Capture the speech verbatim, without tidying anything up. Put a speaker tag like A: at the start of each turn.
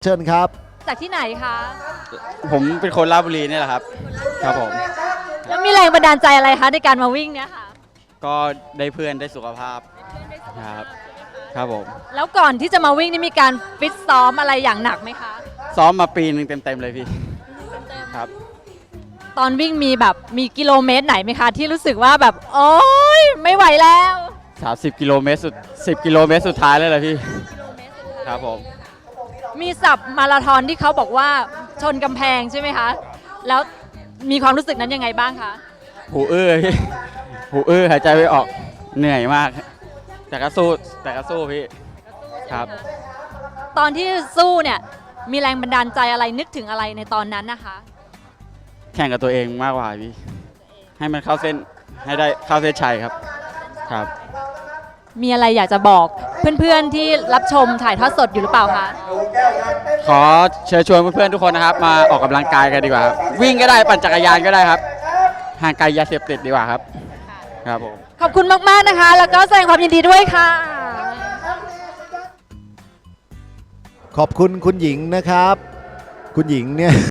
A: เชิญครับ
B: จากที่ไหนคะ
C: ผมเป็นคนราชบุรีนี่แหละครับครับผม
B: แล้วมีแรงบันดาลใจอะไรคะในการมาวิ่งเนี่ยค่ะ
C: ก็ได้เพื่อนได้สุขภาพครับครับผม
B: แล้วก่อนที่จะมาวิ่งนี่มีการฟิตซ้อมอะไรอย่างหนักไหมคะ
C: ซ้อมมาปีหนึ่งเต็มๆเลยพี่ครับ
B: ตอนวิ่งมีแบบมีกิโลเมตรไหนไหมคะที่รู้สึกว่าแบบโอ๊ยไม่ไหวแล้ว
C: สามสิบกิโลเมตรสุดสิบกิโลเมตรสุดท้ายเลยเหรอพี่ครับผม
B: มีสับมาราธอนที่เขาบอกว่าชนกำแพงใช่ไหมคะแล้วมีความรู้สึกนั้นยังไงบ้างคะ
C: หูอื้อพี่หูอื้อหายใจไม่ออกเหนื่อยมากแต่ก็สู้แต่ก็สู้พี่ครับ
B: ตอนที่สู้เนี่ยมีแรงบันดาลใจอะไรนึกถึงอะไรในตอนนั้นนะคะ
C: แข่งกับตัวเองมากกว่าพี่ให้มันเข้าเส้นให้ได้เข้าเส้นชัยครับครับ
B: มีอะไรอยากจะบอกเพื่อนๆที่รับชมถ่ายทอดสดอยู่หรือเปล่าคะ
C: ขอเชิญชวนเพื่อนๆทุกคนนะครับมาออกกำลังกายกันดีกว่าครับวิ่งก็ได้ปั่นจักรยานก็ได้ครับห่างไกลยาเสพติดดีกว่าครับครับผม
B: ขอบคุณมากๆนะคะแล้วก็แสดงความยินดีด้วยค่ะ
A: ขอบคุณคุณหญิงนะครับคุณหญิงเนี่ย